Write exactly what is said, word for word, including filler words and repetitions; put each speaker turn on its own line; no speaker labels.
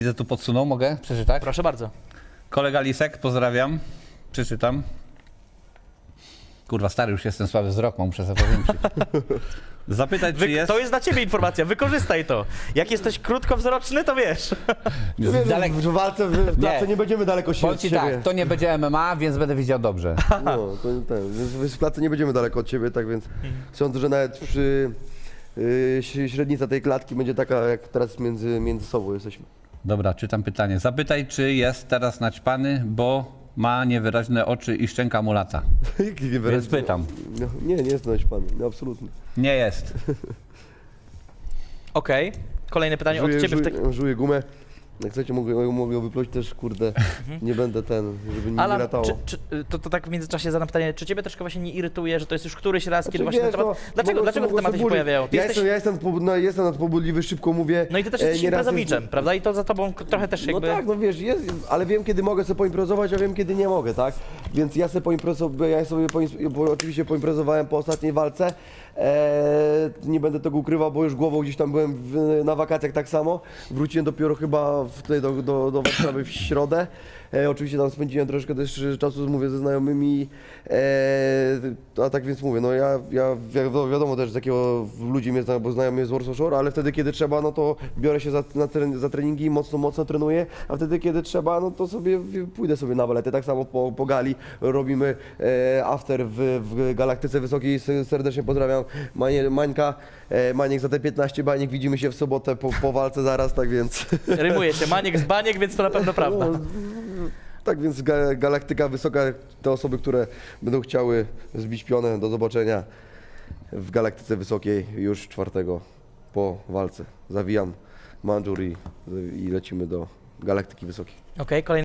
Widzę tu podsunął, mogę przeczytać?
Proszę bardzo.
Kolega Lisek, pozdrawiam. Przeczytam. Kurwa, stary już jestem, słaby wzrok, mam muszę sobie powiększyć. Zapytać,
Wy,
czy jest...
To jest dla ciebie informacja, wykorzystaj to. Jak jesteś krótkowzroczny, to wiesz.
Wiesz,
Dalek...
w walce, w, w klatce
Nie.
nie będziemy daleko się
Powiem
od
ci
siebie.
tak, to nie będzie M M A, więc będę widział dobrze.
No, to ten, więc w klatce nie będziemy daleko od siebie, tak więc sądzę, że nawet przy yy, średnica tej klatki będzie taka, jak teraz między, między sobą jesteśmy.
Dobra, czytam pytanie. Zapytaj, czy jest teraz naćpany, bo ma niewyraźne oczy i szczęka mu lata. Więc pytam.
No, nie, nie jest naćpany, no, absolutnie.
Nie jest.
Okej. Kolejne pytanie
Żuję,
od ciebie. W
żuję,
tak...
żuję gumę. Jak chcecie, mogę, mogę ją wypluć też, kurde, nie będę ten, żeby mi nie
Alan,
latało.
czy, czy, to, to tak w międzyczasie zadam pytanie, czy ciebie troszkę właśnie nie irytuje, że to jest już któryś raz, kiedy
Znaczy,
właśnie
wiesz,
ten temat...
no,
Dlaczego,
mogę-
dlaczego te
mogę
tematy się
sobie
pojawiają? Ty
Ja,
jesteś...
jestem, ja jestem, nadpobu- no, jestem nadpobudliwy, szybko mówię.
No i ty też
e,
jesteś
nieraz
imprezowiczem,
jest-
prawda? I to za tobą k- trochę też jakby...
No tak, no wiesz, jest, ale wiem kiedy mogę sobie poimprezować, a wiem kiedy nie mogę, tak? Więc ja sobie poimprezowałem, ja sobie poim- bo oczywiście poimprezowałem po ostatniej walce. Eee, nie będę tego ukrywał, bo już głową gdzieś tam byłem w, na wakacjach tak samo. Wróciłem dopiero chyba w, tutaj do, do, do Warszawy w środę. E, oczywiście tam spędziłem troszkę też czasu, mówię, ze znajomymi. E, a tak więc mówię, no ja, ja wi- wiadomo też z jakiego ludzi mnie znają, bo znają mnie z Warsaw Shore, ale wtedy kiedy trzeba, no to biorę się za, na tren, za treningi, mocno, mocno trenuję, a wtedy kiedy trzeba, no to sobie w- pójdę sobie na walety. Tak samo po, po gali robimy e, after w, w Galaktyce Wysokiej. S- Serdecznie pozdrawiam Manie, Mańka. E, Maniek za te piętnaście baniek, widzimy się w sobotę po, po walce zaraz, tak więc...
Rymuje się maniek z baniek, więc to na pewno prawda.
No, tak więc ga, Galaktyka Wysoka, te osoby, które będą chciały zbić pionę, do zobaczenia w Galaktyce Wysokiej już czwartego po walce. Zawijam mandżur i, i lecimy do Galaktyki Wysokiej.
Okej, kolejne